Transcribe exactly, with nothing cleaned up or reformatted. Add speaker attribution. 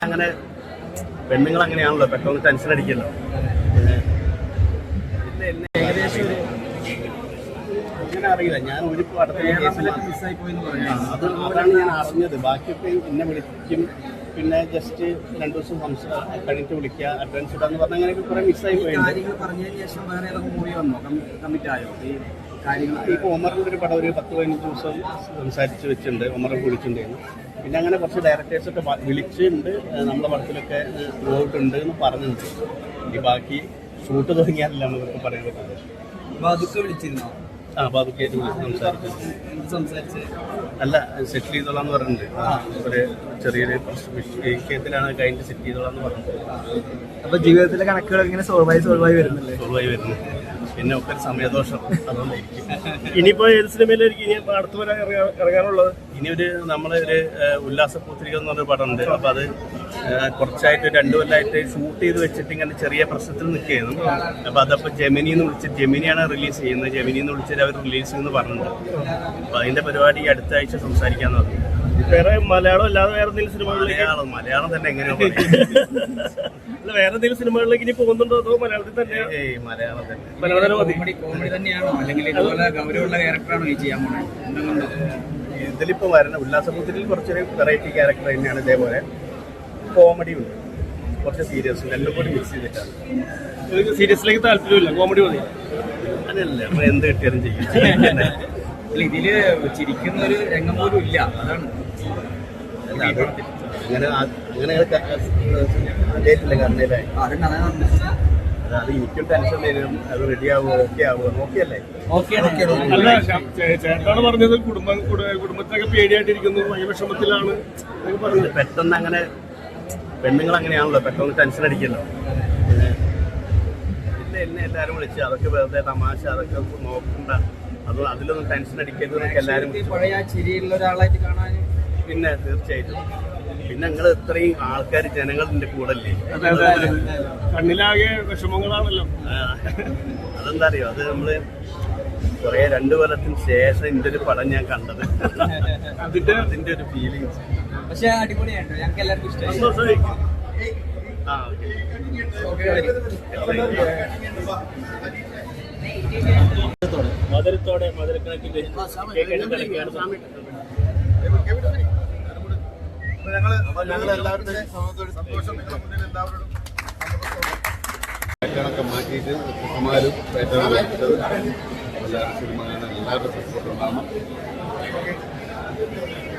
Speaker 1: അങ്ങനെ പെണ്ണുങ്ങൾ അങ്ങനെയാണല്ലോ, പെട്ടെന്ന് ടെൻഷൻ അടിക്കല്ലോ. പിന്നെ എന്നെ ഏകദേശം ഒരു അങ്ങനെ അറിയില്ല, ഞാൻ ഒരു മിസ്സായി പോയി എന്ന് പറഞ്ഞു. അത് അതാണ് ഞാൻ അറിഞ്ഞത്. ബാക്കിയൊക്കെ എന്നെ വിളിക്കും, പിന്നെ ജസ്റ്റ് രണ്ടു ദിവസം സംസാരം കഴിഞ്ഞിട്ട് വിളിക്കുക, അഡ്വാൻസ് ഇടാന്ന് പറഞ്ഞാൽ അങ്ങനെയൊക്കെ കുറെ മിസ്സായി പോയി. കാര്യങ്ങൾ പറഞ്ഞതിന് ശേഷം വേറെ ഏതൊക്കെ മൂവി വന്നോ, കമ്മിറ്റ് ആയോ ഈ കാര്യങ്ങൾ? ഇപ്പോൾ ഒമറിൻ്റെ ഒരു പടം ഒരു പത്ത് പതിനഞ്ച് ദിവസം സംസാരിച്ച് വെച്ചിട്ടുണ്ട്, ഒമറെ വിളിച്ചിട്ടുണ്ടായിരുന്നു. പിന്നെ അങ്ങനെ കുറച്ച് ഡയറക്ടേഴ്സൊക്കെ വിളിച്ചിട്ടുണ്ട്, നമ്മുടെ പടത്തിലൊക്കെ പോയിട്ടുണ്ട് എന്ന് പറഞ്ഞിട്ടുണ്ട്. ഈ ബാക്കി ഷൂട്ട് തുടങ്ങിയാലല്ല എന്നൊക്കെ പറയാൻ പറ്റുന്നത്.
Speaker 2: ബാദുക്കെ വിളിച്ചിരുന്നോ?
Speaker 1: ആ, ബാബുക്കായിട്ട് വിളിച്ച് സംസാരിച്ചു. അല്ല, സെറ്റിൽ ചെയ്തോളാന്ന് പറഞ്ഞിട്ടുണ്ട്. ഒരു ചെറിയൊരു വിഷയത്തിലാണ് കഴിഞ്ഞിട്ട് സെറ്റ് ചെയ്തോളാന്ന് പറഞ്ഞിട്ടുണ്ട്.
Speaker 2: അപ്പൊ ജീവിതത്തിലെ കണക്കുകൾ ഇങ്ങനെ സോൾവായി സോൾവായി വരുന്നില്ലേ?
Speaker 1: സോൾവായി വരുന്നു. പിന്നെ ഒക്കെ ഒരു സമയദോഷം, അതുകൊണ്ടായിരിക്കും.
Speaker 3: ഇനിയിപ്പോ ഏത് സിനിമയിലായിരിക്കും ഇനി അടുത്ത് വരാൻ ഇറങ്ങാനുള്ളത്?
Speaker 1: ഇനി ഒരു നമ്മളെ ഒരു ഉല്ലാസപൂത്രിക എന്ന് പറഞ്ഞൊരു പടമുണ്ട്. അപ്പൊ അത് കുറച്ചായിട്ട് രണ്ടു കൊല്ലമായിട്ട് ഷൂട്ട് ചെയ്ത് വെച്ചിട്ട് ഇങ്ങനെ ചെറിയ പ്രശ്നത്തിൽ നിൽക്കുകയായിരുന്നു. അപ്പൊ അതപ്പോ ജെമിനിന്ന് വിളിച്ചിട്ട്, ജെമിനിയാണ് റിലീസ് ചെയ്യുന്നത്, ജെമിനിന്ന് വിളിച്ചിട്ട് അവർ റിലീസ് ചെയ്യുമെന്ന് പറഞ്ഞിട്ടുണ്ട്. അപ്പൊ അതിന്റെ പരിപാടി അടുത്ത ആഴ്ച സംസാരിക്കാന്ന് പറഞ്ഞു.
Speaker 3: വേറെ മലയാളം അല്ലാതെ വേറെ എന്തെങ്കിലും സിനിമകളിലേക്ക്?
Speaker 1: മലയാളം മലയാളം തന്നെ എങ്ങനെയോ
Speaker 3: അല്ല, വേറെ എന്തെങ്കിലും സിനിമകളിലേക്ക് ഇനി പോകുന്നുണ്ടോ, അതോ മലയാളത്തിൽ തന്നെ?
Speaker 1: ഏയ് മലയാളം തന്നെ.
Speaker 3: മലയാളം
Speaker 2: കോമഡി തന്നെയാണോ, അല്ലെങ്കിൽ ഇതുപോലെ ഗൗരവമുള്ള ക്യാരക്ടറാണോ ഈ ചെയ്യാൻ പോകുന്നത്?
Speaker 1: ഇതിലിപ്പോ വരണ ഉല്ലാസപൂത്രിയിൽ കുറച്ചൊരു വെറൈറ്റി ക്യാരക്ടർ തന്നെയാണ്. ഇതേപോലെ കോമഡി ഉണ്ട്, കുറച്ച് സീരിയസ്, രണ്ടും കൂടി മിക്സ് ചെയ്തിട്ടാണ്.
Speaker 3: സീരിയസിലേക്ക് താല്പര്യമില്ല, കോമഡി മതി?
Speaker 1: അങ്ങനെയല്ല, നമ്മൾ എന്ത് കിട്ടിയാലും ചെയ്യും.
Speaker 2: ഇതില് ചിരിക്കുന്ന ഒരു രംഗം പോലും ഇല്ല, അതാണ്.
Speaker 1: അങ്ങനെ അങ്ങനെ ആദ്യമായിട്ടില്ല കണ്ണയിലായി. അത് എനിക്കും ടെൻഷൻ വരും, അത് റെഡി ആവുമോ, ഓക്കെ ആവുമോ? നോക്കിയല്ലേ?
Speaker 3: അല്ല, ചേട്ടാണ് പറഞ്ഞത് കുടുംബം കുടുംബത്തിനൊക്കെ പേടിയായിട്ടിരിക്കുന്നു, ഭയങ്കര വിഷമത്തിലാണ് പറഞ്ഞത്.
Speaker 1: പെട്ടെന്ന് അങ്ങനെ പെണ്ണുങ്ങൾ അങ്ങനെയാണല്ലോ, പെട്ടെന്ന് ടെൻഷൻ അടിക്കല്ലോ. പിന്നെ എന്നെ എല്ലാവരും വിളിച്ച് അതൊക്കെ വെറുതെ തമാശ, അതൊക്കെ നോക്കണ്ട, അത് അതിലൊന്നും ടെൻഷൻ അടിക്കരുത് എന്നൊക്കെ എല്ലാവരും.
Speaker 2: പഴയ ചിരിയുള്ള ഒരാളായിട്ട് കാണാൻ
Speaker 1: പിന്നെ തീർച്ചയായിട്ടും. പിന്നെ നിങ്ങൾ ഇത്രയും ആൾക്കാർ, ജനങ്ങൾ ഇതിന്റെ കൂടെ അല്ലേ?
Speaker 3: കണ്ണിലാകെ വിഷമങ്ങളാണല്ലോ.
Speaker 1: അതെന്താ അറിയോ, അത് നമ്മള് കുറെ രണ്ടു കൊല്ലത്തിന് ശേഷം ഇതിന്റെ ഒരു പടം ഞാൻ കണ്ടത്. അതിന്റെ അതിന്റെ ഒരു ഫീലിങ്സ്.
Speaker 2: പക്ഷെ അടിപൊളിയായിട്ടോ, ഞങ്ങൾക്ക് എല്ലാവർക്കും ഇഷ്ടമായി.
Speaker 1: ആ,
Speaker 3: മധുരത്തോടെ മധുരക്കണക്കിന്റെ
Speaker 4: കണക്കെ മാറ്റിയിട്ട് കുമാരും പേറ്റാണ് എല്ലാ സിനിമകളും എല്ലാവരുടെ സപ്പോർട്ടുണ്ടാകണം.